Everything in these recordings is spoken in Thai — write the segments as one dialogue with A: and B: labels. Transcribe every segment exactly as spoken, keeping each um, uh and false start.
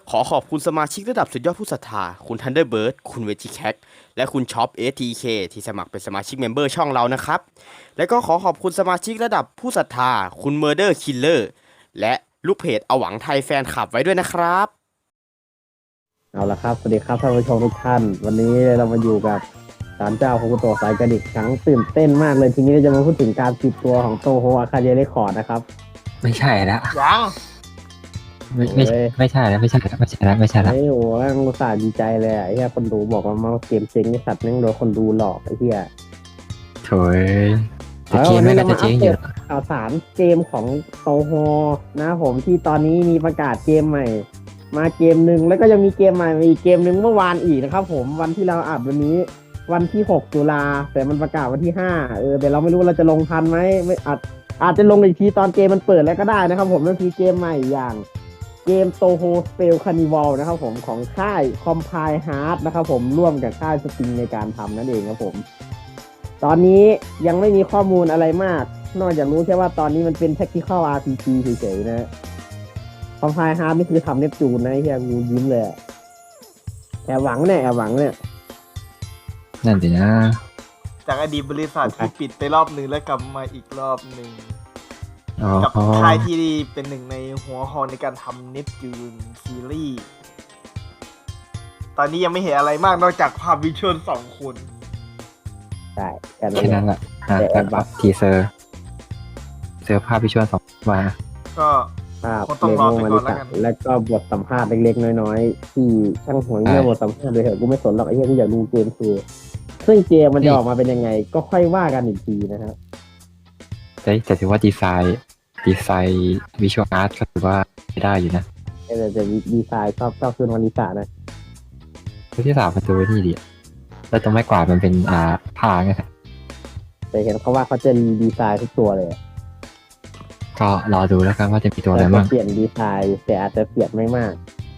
A: ขอขอบคุณสมาชิกระดับสุดยอดผู้ศรัทธาคุณทันเดอร์เบิร์ดคุณเวจิแคทและคุณช็อป เอ ที เค ที่สมัครเป็นสมาชิกเมมเบอร์ช่องเรานะครับและก็ขอขอบคุณสมาชิกระดับผู้ศรัทธาคุณเมอร์เดอร์คิลเลอร์และลูกเพจอหวังไทยแฟนคลับไว้ด้วยนะครับ
B: เอาละครับสวัสดีครับท่านผู้ชมทุกท่านวันนี้เรามาอยู่กับศาลเจ้าโฮกุโตะสายกระดิกครั้งตื่นเต้นมากเลยทีนี้เราจะมาพูดถึงการปิดตัวของโตโฮอาคาเดเรคคอร์ดนะครับ
C: ไม่ใช่แล้ว
A: ยัง
C: ไม่ไม่ไม่ใช่แล้วไม่ใช่แล้วไม่ใช่แล้วไม่ใช่แล้ว
B: ไอ้โอ้แม่งอุตส่าห์ดีใจเลยไอ้เหี้ยคนดูบอกว่ามาเกมเจ๊งไอ้สัตว์แม่งโดนคนดูหลอกไอ้เหี้ย
C: โถยแต่เกมไม่ก็จะเจ๊งอยู่
B: ข่าวสารเกมของโตโฮนะผมที่ตอนนี้มีประกาศเกมใหม่มาเกมหนึ่งแล้วก็ยังมีเกมใหม่มาอีกเกมหนึ่งเมื่อวานอีกนะครับผมวันที่เราอัดวันนี้วันที่หกตุลาแต่มันประกาศวันที่ห้าเออแต่เราไม่รู้ว่าเราจะลงทันไหมไม่อาจอาจจะลงอีกทีตอนเกมมันเปิดแล้วก็ได้นะครับผมนั่นคือเกมใหม่อย่างเกมโตโฮสเปลคานิวัลนะครับผมของค่ายคอมไพล์ฮาร์ดนะครับผมร่วมกับค่ายสปริงในการทำนั่นเองครับผมตอนนี้ยังไม่มีข้อมูลอะไรมากนอกจากรู้แค่ว่าตอนนี้มันเป็น Tactical อาร์ พี จี เฉยๆนะคอมไพล์ฮาร์ดนี่คือทำเนปจูนนะไอ้เหี้ยกูยิ้มเลยแอบหวังเนี่ยแอบหวังเนี่ย
C: นั่นสินะ
D: จากอดีตบริษัทที่ปิดไปรอบหนึ่งแล้วกลับมาอีกรอบหนึ่ง
C: กั
D: บค่ายที่เป็นหนึ่งในหัวหอในการทำเนปจูนซีรีส์ตอนนี้ยังไม่เห็นอะไรมากนอกจากภาพวิชวลสองคน
B: ใช่
C: แค่นั้นแหละแต่แบบทีเซอร์เซอร์ภาพวิชวลสองมา
D: ก็
B: คงต้องรอไปก่อนแล้วกันแล้วก็บทสัมภาษณ์เล็กๆน้อยๆที่ช่างหัวเงี้ยบทสัมภาษณ์เลยเหรอกูไม่สนหรอกไอ้เหี้ยกูอยากดูเกมคือซึ่งเกมมันจะออกมาเป็นยังไงก็ค่อยว่ากันอีกทีนะครับ
C: แต่แต่ถือว่าดีไซน์ดีไซน์วิชวลอาร์ตก็ถือว่าได้อยู่นะ
B: แต่แต่ดีไซน์ชอบชอบคืนวันนิสานะ
C: คือที่สามมันดูนี่ดิแล้วจะไม่กวาดมันเป็นอ่าผ้าไง
B: แต่เห็นเขาว่าเขาจะรีดีไซน์ทุกตัวเลย
C: ก็รอดูแล้วกันว่าจะมีตัวอะไรบ้าง
B: เปลี่ยนดีไซน์แต่อาจจะเปลี่ยนไม่มาก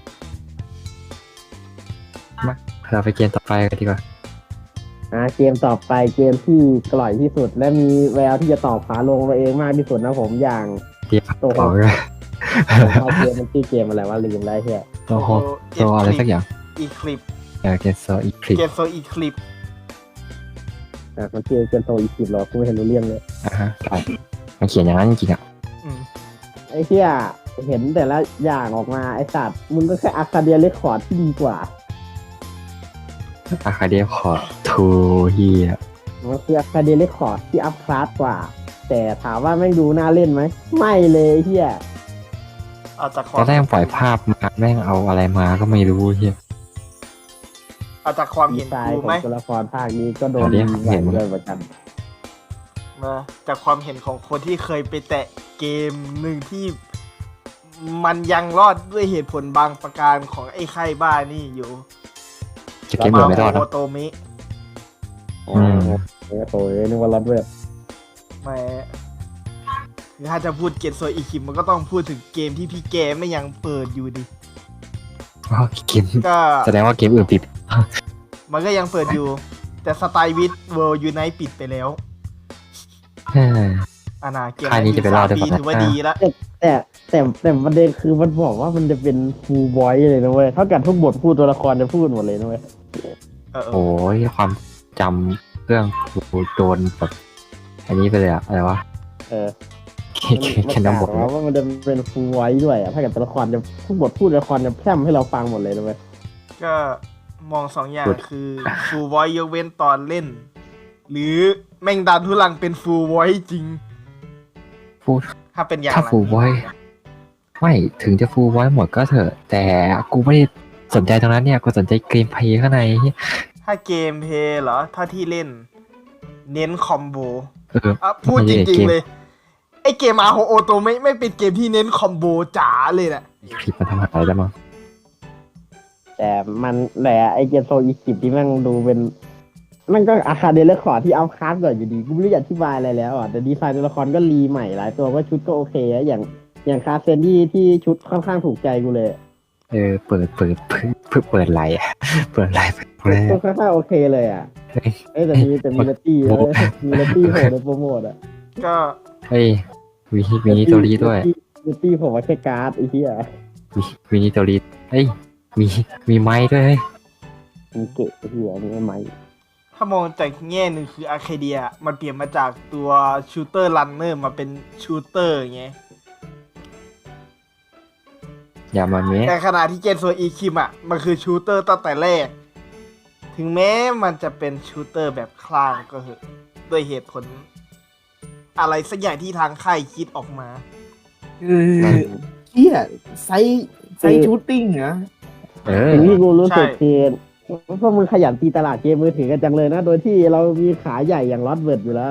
C: มาเราไปเกมต่อไปกันดีกว่า
B: อ่าเกมต่อไปเกมที่กร่อยที่สุดและมีแววที่จะตอบขาลงตัวเองมากที่สุดนะผมอย่าง
C: ตัว
B: เขาเกมมันชื่อเกมอะไรวะลืมได้แค่
C: ตัวโฮตัวอะไรสักอย่าง
D: อีคลิป
C: เออเกมโซอีคลิป
D: เกมโซอีคลิป
B: อ่ะมันชื่อเกมโซอีคลิปหรอกูไม่เห็นรู้เรื่องเลย
C: อ่าฮะใช่มันเขียนอย่างนั้นจริงๆอ่ะ
B: ไอ้เหี้ยเห็นแต่ละอย่างออกมาไอ้สัตว์มึงก็แค่อาคาเดียเรคคอร์ดที่ดีกว่า
C: อาคาเดียคอร์ดทูเฮีย
B: มันคืออาคาเดียเรคคอร์ดที่อัพคลาสกว่าแต่ถามว่าแม่งดูน่าเล่นไหมไม่เลยเฮีย
D: เอาจาก
C: ตอนแรกปล่อยภาพมาแม่งเอาอะไรมาก็ไม่รู้เฮีย
D: เอาจากความเห็นกูไหม
B: ตัวละครภาคนี้ก็โดนเห็นเลยเหมือนกัน
D: มาจากความเห็นของคนที่เคยไปแตะเกมหนึ่งที่มันยังรอดด้วยเหตุผลบางประการของไอ้ไข่บ้านี่อยู่
C: เกมไม่รอดนะ
D: โอโตมิ
B: อืมโอ้ยนึกว่ารอดเว็บ
D: ไม่คือถ้าจะพูดเกมโซอีคิมมันก็ต้องพูดถึงเกมที่พี่เกมไม่ยังเปิดอยู่ดิ
C: อ๋อเกมก็แสดงว่าเกมอื่นปิด
D: มันก็ยังเปิดอยู่แต่สไตล์วิทเวิลด์ยูไนต์ปิดไปแล้วอานาเกม
C: นี้จะเป็นรอดได้
D: ถือว่าดีแล้ว
B: แต่แต่แต่ประเด็นคือมันบอกว่ามันจะเป็นฟูลบอยเลยนะเว้ยเท่ากันทุกบทพูดตัวละครจะพูดหมดเลยนะเว้ย
C: โอ้ยความจำเรื่องโดนแบบอันนี้ไปเลยอะอะไรวะ
B: เออ
C: แค่นำบท
B: ว่ามันจะเป็นฟูลบอยด้วยอะถ้าเกิดตัวละครจะทุกบทพูดตัวละครจะแพร่มให้เราฟังหมดเลยนะเว้ย
D: ก็มองสองอย่างคือฟูลบอยยกเว้นตอนเล่นหรือแม่งดันทุลังเป็นฟูลไวท์จริง
C: ฟู
D: ถ้าเป็นอย่าง
C: ถ้าฟูลไวท์ไม่ถึงจะฟูลไวท์หมดก็เถอะแต่กูไม่ได้สนใจตรงนั้นเนี่ยกูสนใจเกมเพลย์ข้างใน
D: ถ้าเกมเพลย์เหรอถ้าที่เล่นเน้นคอมโบ
C: เออ
D: พูดจริงๆเลยไอเกมอาโฮโอโตไม่ไม่เป็นเกมที่เน้นคอมโบจ๋าเลยแหละ
C: คลิปมันทำอะไรได้มั้ง
B: แต่มันแหละไอเกมโซอีคลิปที่แม่งดูเป็นมันก็อาคาเดเรคคอร์ดที่เอาคลาสก่อนอยู่ดีกูไม่รู้จะอธิบายอะไรแล้วอ่ะแต่ดีไซน์ตัวละครก็รีใหม่หลายตัวก็ชุดก็โอเคอะอย่างอย่างคาเซนดี้ที่ชุดค่อนข้างถูกใจกูเลย
C: เออเปิดเปิดเพิ่งเปิดไลน์เปิดไลน์แรก
B: ก็ค่อนข้างโอเคเลยอ่ะเอ้แต่มีแต่มีเลตี้มีเลตี้โหดในโปรโมทอ่ะ
D: ก็
C: เฮ้ยมีมีตัวนี้ด้วย
B: เลตี้ผมว่าแค่การ์ดไอ้เหี้ย
C: มีมีนิโตริเฮ้ยมีมีไม้ด้วยเฮ้ย
B: มีเกะเหี้ยนี่ไหม
D: ถ้ามองจากแง่หนึ่งคืออาร์เคเดียมันเปลี่ยนมาจากตัวชูเตอร์รันเนอร์มาเป็นชูเตอร์ไง
C: อย่ามาเมะ
D: แต่ขณะที่เกนโซอีคิมอ่ะมันคือชูเตอร์ตั้งแต่แรก ถึงแม้มันจะเป็นชูเตอร์แบบคลางก็เหอะด้วยเหตุผล อะไรสักอย่างที่ทางค่ายคิดออกมา
E: คือเฮียไซส์ไซส์ชูตติ้งเหรอ
C: เออ
B: สิ่งที่กูรู้สึก
D: ใช่
B: คือพวกมึงขยันตีตลาดเกมมือถือกันจังเลยนะ โดยที่เรามีขาใหญ่อย่างลอตเวิร์ดอยู่แล้ว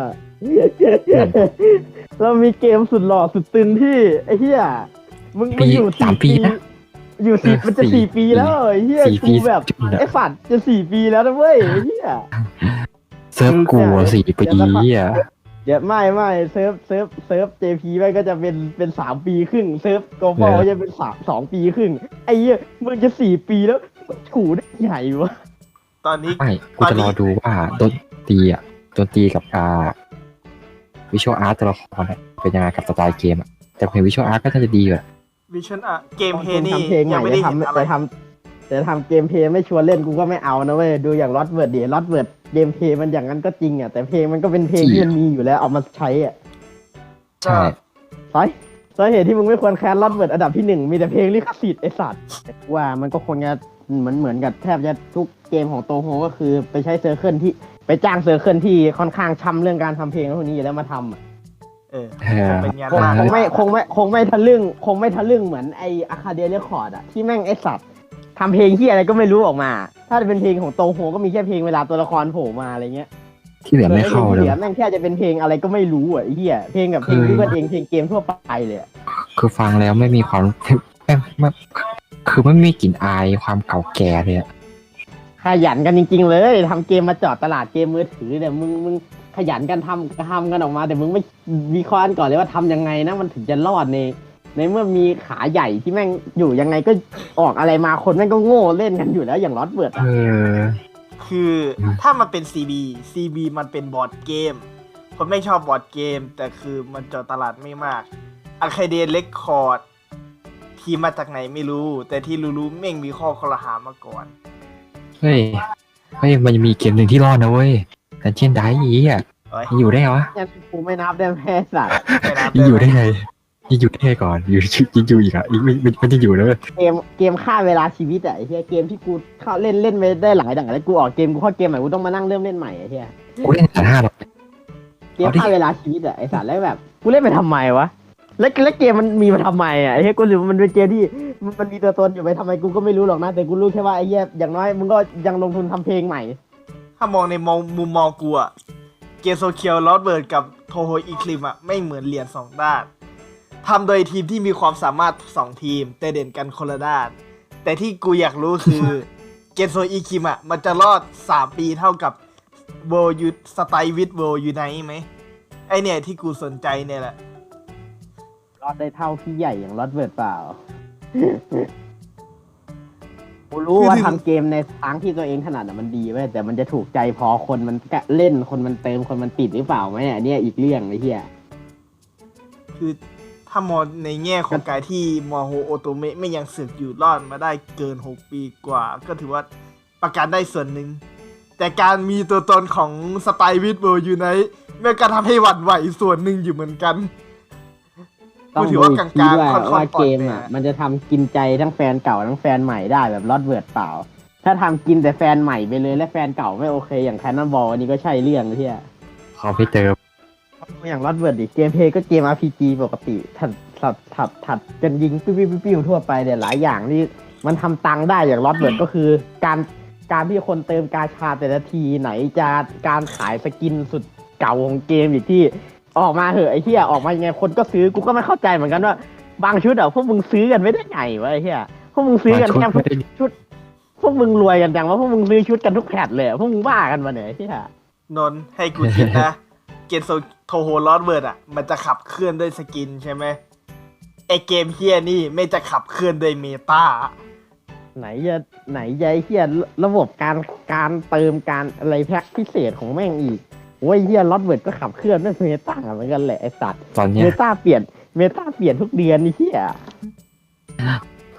B: เรามีเกมสุดหล่อสุดตึงที่ไอ้เหี้ยมึงมึ
C: ปี
B: งอยู่
C: สามปีนะ
B: อยู่สี่
C: เออ
B: มันจะ
C: สี่
B: สี่ปีแล้วไอ้เหี้ย
C: สี่ปี
B: กูแบบ
C: จุดอะ
B: ไอ้ฝัดจะสี่ปีแล้วนะเว้ยไอ้เหี้ย
C: เซิร์ฟกูอะสี่ปีอ่ะ
B: เดี๋ยวไม่ไม่เซิร์ฟเซิร์ฟเซิร์ฟ เจ พี แม่งก็จะเป็นเป็นสามปีครึ่งเซิร์ฟโกลบอล
C: เออ
B: ก็จะเป็นสามสองปีครึ่งไอ้เหี้ยมึงจะสี่ปีแล้วถูได้ใหญ่วะ
D: ตอนนี้
C: ไม่กูจะรอดูว่าดนตรีอ่ะดนตรีกับอ่าวิชวลอาร์ตตัวละครอะเป็นยังไงกับสไตล์เกมอ่ะแต่เพลงวิชวลอาร์ตก็น่าจะดีอยู่อะ
D: วิชั่นอะเกมเพ
B: ตอน
D: นี่
B: ทำเพลงให
D: ยั
B: ม่
D: งไม่ได้
B: จะ
D: เห็น
B: ทำ
D: อะไร
B: จะทำจะทำเกมเพลย์ไม่ชวนเล่นกูก็ไม่เอานะเว้ยดูอย่างลอตเวิร์ดดิลอตเวิร์ดเกมเพลย์มันอย่างนั้นก็จริงอ่ะแต่เพลงมันก็เป็นเพลงที่มันมีอยู่แล้วเอามาใช้อ่ะ
C: ใช่
B: สาสาเหตุที่มึงไม่ควรแคนลอตเวิร์ดอันดับที่หนึ่งมีแต่เพลงลิขสิทธิ์ไอสัตว์ว่ามันก็คงจะเหมือนเหมือนกับแทบจะทุกเกมของโตโฮก็คือไปใช้เซอร์เคิลที่ไปจ้างเซอร์เคิลที่ค่อนข้างช้ำเรื่องการทำเพลงพวกนี้อยู่แล้วมาทำอะ
D: เออ
C: เออ
D: เป็นงาน
B: คง
D: มาก
B: คงไม่คงไม่คงไม่ทะลึ่งคงไม่ทะลึ่งเหมือนไออาคาเดียเรคคอร์ดอะที่แม่งไอสัตว์ทำเพลงที่อะไรก็ไม่รู้ออกมา ถ้าจะเป็นเพลงของโตโฮก็มีแค่เพลงเวลาตัวละครโผล่มาอะไรเงี้ย
C: ที่เหลือไม่เข้า
B: ส่วน
C: เล
B: ไอ้
C: ย
B: พงที่หลือแม่งแค่จะเป็นเพลงอะไรก็ไม่รู้อ่ะไอ้เหี้ยเพลงกับเพลง
C: คือ
B: ที่เพื่อนเองเพลงเกมทั่วไปเลยอะ
C: คือฟังแล้วไม่มีความแม่งไม่คือไม่มีกลิ่นอายความเก่าแก่เลยอะ
B: ขยันกันจริง ๆ เลยทำเกมมาจอดตลาดเกมมือถือเนี่ยมึงมึงขยันกันทำทำกันออกมา แต่มึงไม่วิเคราะห์กันก่อนเลยว่าทำยังไงนะมันถึงจะรอดใน ในเมื่อมีขาใหญ่ที่แม่งอยู่ยังไงก็ออกอะไรมาคนแม่งก็โง่เล่นกันอยู่แล้วอย่างลอตเวิร์ด
C: เออ
D: คือถ้ามันเป็น ซี บี ซี บี มันเป็นบอร์ดเกมคนไม่ชอบบอร์ดเกม แต่คือมันเจาะตลาดไม่มากอาร์เคเดียเรคคอร์ดทีมมาจากไหนไม่รู้ แต่ที่รู้ๆแม่งมีข้อคอรหามาก่อน
C: เฮ้ยเฮ้ยมันมีเกมหนึ่งที่รอดนะเว้ยดันเจียนไดอีอ่ะ
D: เอ้ย
C: ยังอยู่ได้ไงวะ
B: ยังกูไม่นับได้แม่สัตว์
D: ไม่นับ
C: ยังอยู่ได้
D: หม
C: ไงยังอยู่ได้ไงก่อนอยู่ยังอยู่อีกอ่ะอีกไม่ไม่ยังอยู่นะเว้ย
B: เกมเกมฆ่าเวลาชีวิตอะไอ้เหี้ยเกมที่กูเข้าเล่นเล่นไปได้หลายด่านแล้วกูออกเกมกูเข้าเกมใหม่กูต้องมานั่งเริ่มเล่นใหม่ไอ้เหี้ย
C: กูเล่นแต่ห้าหรอก
B: เกมฆ่าเวลาชีวิตอะไอ้สัตว์แล้วแบบกูเล่นไปทำไมวะแล้วแล้วเกมมันมีมาทำไมอะไอ้เหี้ยกูรู้มันเป็นเกมที่มันมันมีตัวตนอยู่ไปทำไมกูก็ไม่รู้หรอกนะแต่กูรู้แค่ว่าไอ้เหี้ยอย่างน้อยมึงก็ยังลงทุนทำเพลงใหม่
D: ถ้ามองในมองมุมมองกูอะเกมโซเคียวลอสเบิร์ดกับโทโฮอีคลิมอะไม่เหมือนเหรียญสองด้านทำโดยทีมที่มีความสามารถสองทีม แต่เด่นกันคนละด้าน แต่ที่กูอยากรู้คือ เกมโซอีคิมอะมันจะรอดสามปีเท่ากับโวยูสไตล์วิดโวยูไนไหมไอเนี่ยที่กูสนใจเนี่ยแหละ
B: รอดได้เท่าพี่ใหญ่อย่างลอตเวิร์ดเปล่า กูรู้ว่าทำเกมในทางที่ตัวเองถนัดอะมันดีเว้ยแต่มันจะถูกใจพอคนมันเล่นคนมันเติมคนมันติดหรือเปล่าไหมอันเนี้ยอีกเรื่องไอ้เหี้ย
D: คือถ้ามองในแง่ของการที่มอโฮโอโตเมะไม่ยังสึกอยู่รอดมาได้เกินหกปีกว่า ก็ถือว่าประกันได้ส่วนหนึ่ง แต่การมีตัวตนของสไตล์วิดเวิร์อยู่ในแม่งก็ทำให้หวั่นไหวส่วนหนึ่งอยู่เหมือนกัน
B: ต้อง
D: ถื
B: ดู
D: อว่า
B: อี
D: ก
B: ก
D: ลางๆ
B: ทีว่า
D: ค่อนๆ
B: ว่าเกม
D: ปลอดภั
B: อ่ะ
D: ย
B: มันจะทำกินใจทั้งแฟนเก่าทั้งแฟนใหม่ได้แบบลอตเวิร์ดเปล่า ถ้าทำกินแต่แฟนใหม่ไปเลยและแฟนเก่าไม่โอเคอย่างแคนนอนบอลอันนี้ก็ใช่เรื่องเลยที่
C: เขาไม่เติม
B: อย่างลอตเวิร์ดดิเกมเพลย์ก็เกม อาร์ พี จี ปกติถัดถัดถัดถัดกันยิงปิ้วปิ้วปิ้วทั่วไปเนี่ยหลายอย่างที่มันทำตังค์ได้อย่างลอตเวิร์ดก็คือการการที่คนเติมกาชาแต่ละทีไหนจะการขายสกินสุดเก่าของเกมอีกที่ออกมาเหอะไอ้เหี้ยออกมายังไงคนก็ซื้อกูก็ไม่เข้าใจเหมือนกันว่าบางชุดอ่ะพวกมึงซื้อกันไม่ได้ไงวะไอ้เหี้ยพวกมึงซื้อกันแค่
C: บางชุดไม่ได้
B: ชุด พวกมึงรวยกันจังว่าพวกมึงซื้อชุดกันทุกแพทเลยอะพวกมึงบ้ากันมาเนี่ยไอ้เหี้ย
D: นนท์ให้กูคิดนะ เกมโซโทโฮลอสเวิร์ดอ่ะ มันจะขับเคลื่อนด้วยสกินใช่ไหมไอเกมเฮียนี่ไม่จะขับเคลื่อนด้วยเมตา
B: ไหนจะไหนจะไอ้เหี้ยระบบการการเติมการอะไรแพ็คพิเศษของแม่งอีกโอ้ยเหี้ยลอตเวิร์ดก็ขับเคลื่อนด้วยเมตาเหมือนกันแหละไอ้สัตว์
C: ตอนเนี้
B: เม
C: ย
B: ตาเปลี่ยนเมตาเปลี่ยนทุกเดือนนี่เหี้ย
C: ต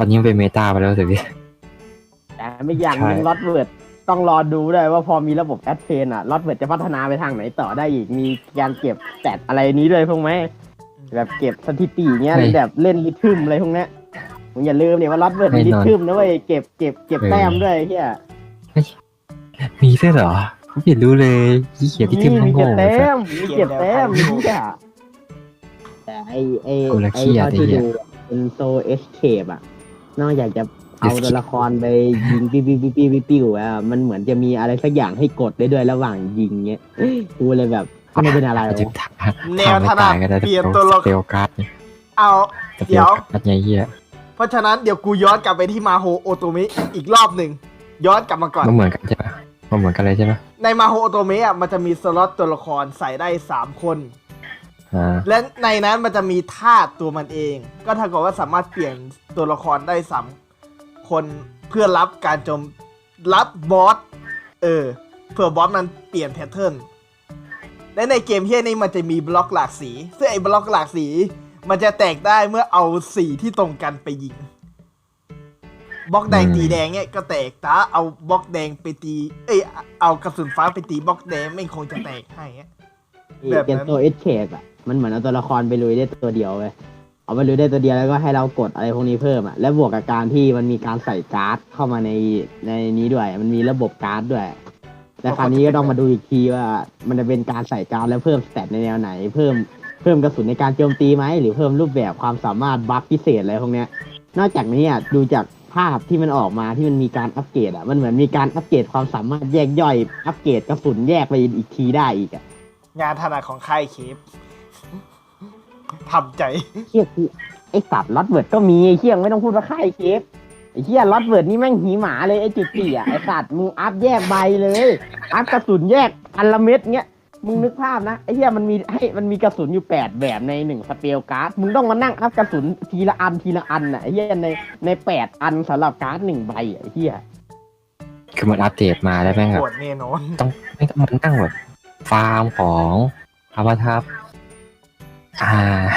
C: อนนี้มันเป็นเมตาไปแล้วสิพี่
B: แต่ไม่อย่างหนึง
C: ใช่
B: ลอตเวิร์ดต้องรอดูด้วยว่าพอมีระบบแอดเทนอ่ะลอตเวิร์ดจะพัฒนาไปทางไหนต่อได้อีกมีการเก็บแตดอะไรนี้ด้วยพวกไหมแบบเก็บสถิติเงี้ยแบบเล่นริทึมอะไรพวกเนี้ยมึงอย่าลืมเนี่ยว่าลอตเวิร์ดมีริทึมนะเว้ยเก็บเก็บเก็บแต้มด้วยไอ้เฮีย
C: มีด้วยเหรอผมไม่รู้เลยยี่เขียนที่
B: มี
C: ทิมทั้
B: มี
C: งโง่
B: เก็บ
C: เล
B: แต้
C: ย
B: มมีเก็บแต้มมีทุกอย่างแต่ไอไอ
C: กูละ
B: ไอ
C: เครียด
B: เท่าที่
C: ไอ้เหี้ย
B: ดูเป็นโซเอสเคปอะนอกจากจะเอาตัวละครไปยิงปิ้วปิ้วปิ้วปิ้วปิ้วปิ้วอะมันเหมือนจะมีอะไรสักอย่างให้กดได้ด้วยระหว่างยิงเงี้ยกูเลยแบบมันเป็นอะไร
C: อาจจะ
B: วะ
C: ถาม
D: แนวถนัด
C: ก็ได้
D: เปลี่ยนตัวละค
C: เปล
D: ร
C: การ์ดเนี่ย
D: เอา
C: สเปล
D: เดี๋ยว
C: การ์ดไงเหี้ย
D: เพราะฉะนั้นเดี๋ยวกูย้อนกลับไปที่มาโฮโอโตเมะอีกรอบหนึ่งย้อนกลับมาก่อน
C: มันเหมือนกันใช่ปะมันเหมือนกันเลยใช่ปะ
D: ในมาโฮโอโตเมะอ่ะมันจะมีสล็อตตัวละครใส่ได้สามคน
C: อ่า
D: และในนั้นมันจะมีธาตุตัวมันเอง ก็เท่ากับว่าสามารถเปลี่ยนตัวละครได้สามคนเพื่อรับการโจมรับบอสเออเพื่อบอสมันเปลี่ยนแพทเทิร์นและในเกมเฮียนี้มันจะมีบล็อกหลากสีซึ่งไอ้บล็อกหลากสี มันจะแตกได้เมื่อเอาสีที่ตรงกันไปยิงบล็อกแดงตีแดงเนี่ยก็แตกแต่เอาบล็อกแดงไปตีเอ้ยเอากระสุนฟ้าไปตีบล็อกแดงไม่คงจะแตกให้อะ แบบนั้น
B: เกมโซเอสเคปอะมันเหมือนเอาตัวละครไปลุยได้ตัวเดียวเว้ยเอาไปลุยได้ตัวเดียวแล้วก็ให้เรากดอะไรพวกนี้เพิ่มอะและบวกกับการที่มันมีการใส่การ์ดเข้ามาในในนี้ด้วย มันมีระบบการ์ดด้วย แต่คราวนี้ก็ต้องมาดูอีกทีว่ามันจะเป็นการใส่การ์ดแล้วเพิ่มสเตตในแนวไหน เพิ่มเพิ่มกระสุนในการโจมตีไหมหรือเพิ่มรูปแบบความสามารถบัฟพิเศษอะไรพวกเนี้ย นอกจากนี้อ่ะดูจากภาพที่มันออกมาที่มันมีการอัปเกรดอ่ะมันเหมือนมีการอัปเกรดความสามารถแยกย่อยอัปเกรดกระสุนแยกไปอีกทีได้อีกอ่ะ
D: งานถนัดของค่ายเคฟทำใจ
B: เชี่ยคือไอสัตว์ลอตเวิร์ดก็มีไอเชี่ยไม่ต้องพูดว่าค่ายเคฟไอเชี่ยลอตเวิร์ดนี่แม่งหีหมาเลยไอจุดสี่อ่ะไอสัตว์มึงอัพแยกใบเลยอัพกระสุนแยกอันละเม็ดเงี้ยมึงนึกภาพนะไอเชี่ยมันมีให้มันมีกระสุนอยู่แปดแบบในหนึ่งสเปลการ์ดมึงต้องมานั่งอัพกระสุนทีละอันทีละอันอ่ะไอเชี่ยในในแปดอันสำหรับการ์ดหนึ่งใบอ่ะไอเชี่ย
C: คือมันอัปเดตมาแล้วแม่งแบ
D: ป
C: บ
D: วดแน่นอน
C: ต้องไม่ต้องมานั่งแบบฟาร์มของอาวัทับอ่า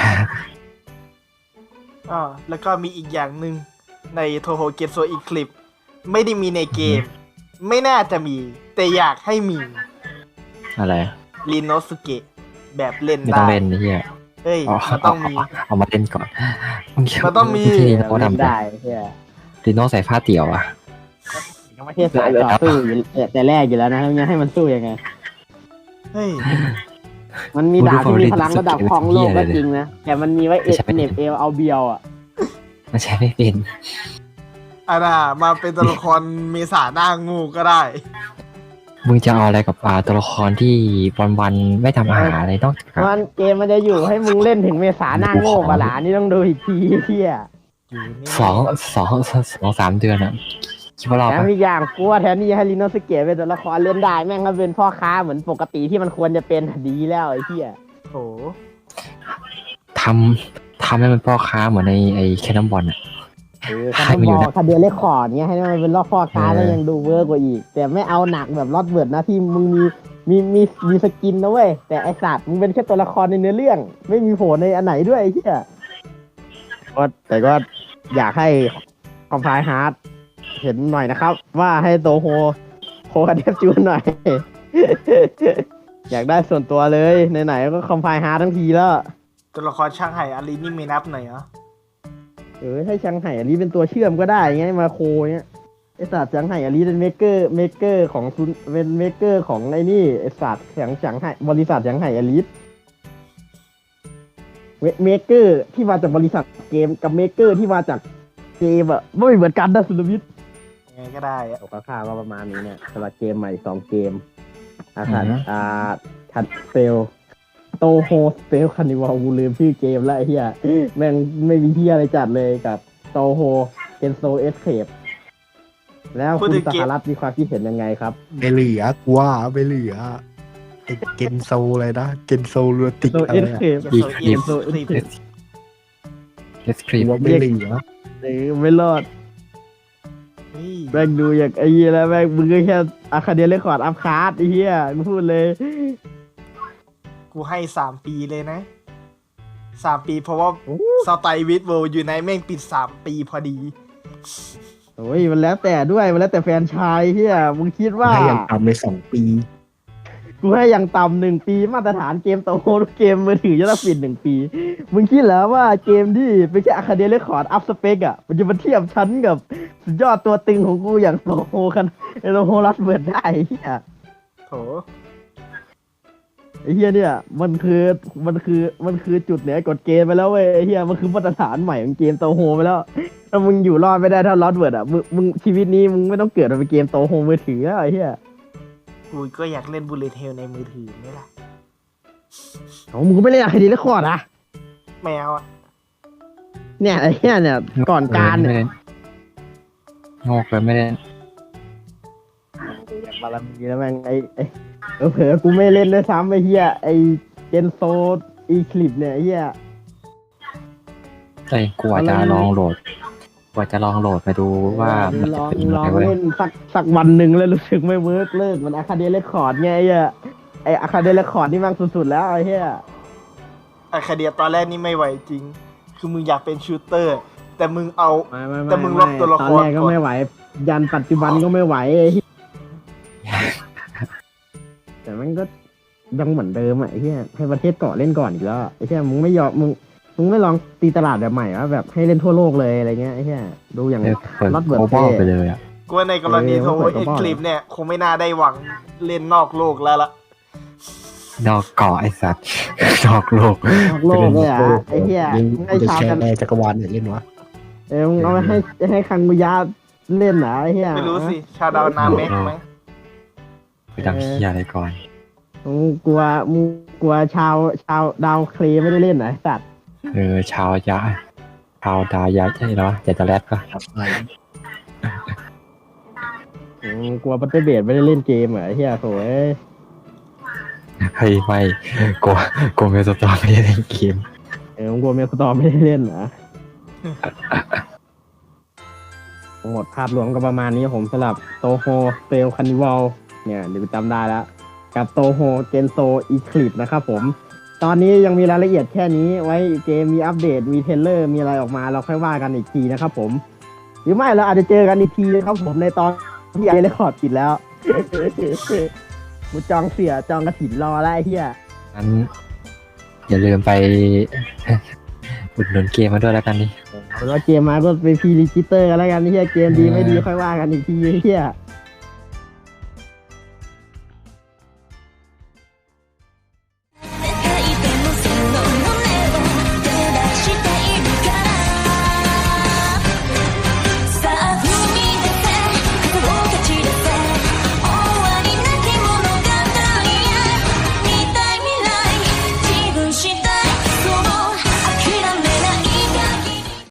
D: อ่าแล้วก็มีอีกอย่างหนึ่งในโทโฮเกโซอีคลิปไม่ได้มีในเกม ไม่น่าจะมี แต่อยากให้มี
C: อะไร
D: ลินโนสุเกะแบบเล่น
C: ไม่ต้
D: ได้
C: องเล่นนี่เฮีย
D: เฮ้ย
C: อ๋อ
D: มันต้องมี
C: เอามาเล่นก่อน
D: มันต้องมี
C: ที่นี่โน้ทำได้
B: ได้เชี่ย
C: ดิโนใส่ผ้าเตี่ยวอ่ะ
B: ยังไม่ใช่สายต่อสู้อยู่แต่แรกอยู่แล้วนะยังให้มันสู้ยังไง
D: เฮ้ย
B: มันมีดาบที่มีพลังระดับของโลกก็จริงนะ แต่มันมีไว้เอเนบเอลเอาเบียวอ่ะ
C: มันใช้ไม่เป็น
D: อ่ะนะมาเป็นตัวละครเมษาหน้างูก็ได้
C: มึงจะเอาอะไรกับปลาตัวละครที่วันๆไม่ทำอาหารอะไรต้อง
B: มันเกมมันจะอยู่ให้มึงเล่นถึงเมษาหน้าโง่ปะหลานี่ต้องดูอีกทีเที่ย
D: อยู่นี่
C: สองสองสองสามเดือนอ่ะคิดว่ารอด
B: แถม
C: ปะ
B: อีกอย่างกลัวแทนที่ให้ลินโนสเกะเป็นตัวละครเล่นได้แม่งก็เป็นพ่อค้าเหมือนปกติที่มันควรจะเป็นดีแล้วไอ้เที่ย
D: โถ
C: ทำทำให้มันพ่อค้าเหมือนในไอ้แคนนอนบอลอ่ะ
B: เออ
C: ให้
B: ถ้า
C: มันอยู่
B: บ
C: นะ
B: อกคาเดียเลคคอร์ดเงี้ยให้มันเป็นรอบพ่อค้า
C: เออ
B: แล้วยังดูเวอร์กว่าอีก แต่ไม่เอาหนักแบบลอตเวิร์ดนะที่มึงมีมีมีมีสกินนะเว้ยแต่ไอสัตว์มึงเป็นแค่ตัวละครในเนื้อเรื่อง ไม่มีโผล่ในอันไหนด้วยไอ้เที่ยก็แต่ก็อยากให้คอมไพล์ฮาร์ดเห็นหน่อยนะครับ ว่าให้โตโฮโฮกับเดฟจูนหน่อย อยากได้ส่วนตัวเลยไหนๆก็คอมไพล์ฮาร์ดทั้งทีแล้ว
D: ตัวละครช่างไห่อารีนี่ไม่นับหน่อยเหรอ
B: เออให้ชังไห่อันนี้เป็นตัวเชื่อมก็ได้ไงมาโคเนี้ยไอสัตว์ชังไห่อันนี้เป็นเมกเกอร์เมกเกอร์ของซุนเป็นเมกเกอร์ของไอ้นี่ไอสัตว์ชังชังไห่บริษัทชังไห่อลิสเมกเกอร์ที่มาจากบริษัทเกมกับเมกเกอร์ที่มาจากเกมอะไม่เหมือนกันนะสุนทรวิทย์
D: ยังไงก็ได้อะ
B: ตกค่าก็ประมาณนี้เนี่ยสำหรับเกมใหม่สองเกมอาคารอ่าทัดเซลโตโฮสเปลคานิวัลกูลืมชื่อเกมแล้วไอ้เหี้ยแม่งไม่มีเหี้ยอะไรจัดเลยกับโตโฮเกนโซเอสเคปแล้วคุณสหรัฐมีความคิดเห็นยังไงครับ
E: ไม่เหลือกว่าไม่เหลือไอ้เกนโซเลยนะเกนโซลูติก
B: โซ
E: อะ
B: เอ
E: ไร
B: ส
E: อะ
B: เคป
C: ดีค
D: เก
C: ลิ
D: ม
C: ป
D: โซอีคลิป
C: เดสคริป
E: ว่าไม่เหลือ
B: หรือไม่รอด
D: เฮ้ย
B: แม่งดูอย่างไอ้เหี้ยแล้วแม่งมึงก็แค่อาคาเดียเรคคอร์ดอัพคาร์ดไอ้เหี้ยกูพูดเลย
D: กูให้สามปีเลยนะสามปีเพราะว่าสไตล์วิดเวิลด์อยู่ในแม่งปิดสามปีพอดี
B: โอ้ยมันแล้วแต่ด้วยมันแล้วแต่แฟนชายเฮียมึงคิดว่า
E: ให้ยังต่ำเลยสองปี
B: กูให้อย่างต่ำหนึ่งปีมาตรฐานเกมโตโฮทุกเกมมือถือจะต้องปิดหนึ่งปี มึงคิดแล้วว่าเกมที่เป็นแค่อะคาเดียเรคคอร์ดอัพสเปกอ่ะมันจะมาเทียบชั้นกับสุดยอดตัวตึงของกูอย่างโตโฮกันไอโตโฮรัสเบิร์ดได้เฮีย
D: โถ
B: ไอเฮียเนี่ยมันคือมันคือมันคือจุดเหนือกฎเกณฑ์ไปแล้วเว้ยไอเฮียมันคือมาตรฐานใหม่ของเกมโตโฮไปแล้วถ้ามึงอยู่รอดไม่ได้ถ้าลอสเบิร์ดอ่ะมึงมึงชีวิตนี้มึงไม่ต้องเกิดมาเป็นเกมโตโฮมือถือแล้วไอเฮีย
D: กูก็อยากเล่นบูลเลตเทลในมือถือนี่แหละ
B: เอามึงก็ไม่เล่นอะคาเดียเรคคอร์ดอ่ะ
D: แมวอ่ะ
B: เนี่ยไอ้เหี้ยเนี่ยก่อนการเนี่ย
C: งอกเลยไม่ได้
B: บารมีแล้วแม่งไอ้ไอ้เออเผลอกูไม่เล่นด้วยซ้ำไอ้เหี้ยไอ้เจนโซอีคลิปเนี่ยไอ้เหี้ย
C: ไอ้ยกูอาจจะลองโหลดกูอาจจะลองโหลดไปดูว่ามัน
B: ล
C: จะ
B: อง
C: เป็นยัง
B: ลอ
C: ไง
B: ง
C: เว้ย
B: เล่นสักสักวันหนึ่งแล้วรู้สึกไม่เวิร์กเลิกมันอะคาเดียเรคคอร์ดไงไอ้เหี้ยไอ้อะคาเดียเรคคอร์ดนี่แมันสุดๆแล้วไอ้เหี้ย
D: อะคาเดียตอนแรกนี่ไม่ไหวจริง คือมึงอยากเป็นชูตเตอร์ แต่มึงเอา
B: ไม่ไม่
D: แต่มึงล็อกตัวละคร
B: ตอนแรกก็ไม่ไหว ยันปัจจุบันก็ไม่ไหวไอ้เหี้ยแต่มันก็ยังเหมือนเดิมอ่ะไอ้เหี้ยให้ประเทศเกาะเล่นก่อนอีกแล้วไอ้เหี้ยมึงไม่ยอมมึงมึงไม่ลองตีตลาดแบบใหม่วะแบบให้เล่นทั่วโลกเลยอะไรเงี้ยไอ้เหี้ยดูอย่าง
C: เออเปิด
B: น็อตเบิร์
C: โก
B: ด
C: บอล
B: เท่
C: ไปเลยอ่ะ
D: กูว่าในกรณี
B: เออ
D: โท
B: เปิดก
D: เอ็
B: ระ
D: ก
B: บอก
D: คลิปเนี่ยคงไม่น่าได้หวังเล่นนอกโลกแล้วล่ะ
C: นอกเกาะไอ้สัตว์ นอกโลก
B: นอกโลกเลยอ่ะไอ้เหี้ย
E: ยัง
B: มึงให้
E: จะ
B: ชาว
E: แช
B: กัน
E: ร์แอร์จักรวาลเนี่ยเล่นวะ
B: เออมึงเอาไปให้ให้คังมุยาเล่นเหรอไอ้เหี้ย
D: ไม่รู้สิ ชาดาวนาเมกไหม
C: ไปดังเฮียอะไรก่อน
B: มึงกลัวมึงกลัวชาวชาวดาวเคลย์ไม่ได้เล่นเหรอไอ้สัตว์
C: เออชาวยะชาวดายะใช่เหรอจะจะแรดปะ
E: ครับอะไร
B: มึงกลัวบัตเตอร์เบดไม่ได้เล่นเกมเหรอไอ้เหี้ยโถ่เอ้ย
C: เฮ้ยไม่กลัวกลัวเมลสตอร์ไม่ได้เล่นเกม
B: เออมึงกลัวเมลสตอร์ไม่ได้เล่นเหรอ ทั้งหมดภาพรวมก็ประมาณนี้ผมสำหรับโตโฮเซลคานิวัลเนี่ยเดี๋ยวจำได้แล้ว กับโตโฮเจนโซอีคลิปนะครับผม ตอนนี้ยังมีรายละเอียดแค่นี้ไว้เกมมีอัปเดตมีเทรลเลอร์มีอะไรออกมาเราค่อยว่ากันอีกทีนะครับผม หรือไม่เราอาจจะเจอกันอีกทีนะครับผมในตอนที่ไอเรคคอร์ดปิดแล้ว กูจองเสียจองกระถินรอแล้วไอ้เหี้ย
C: งั้นอย่าลืมไป อุดหนุนเกมมาด้วยแล้วกันนี่
B: เอาเป็นว่าเกมมาก็ไปพรีรีจิสเตอร์กันแล้วกันไอ้เหี้ยเกมดีไม่ดีค่อยว่ากันอีกทีไอ้เหี้ย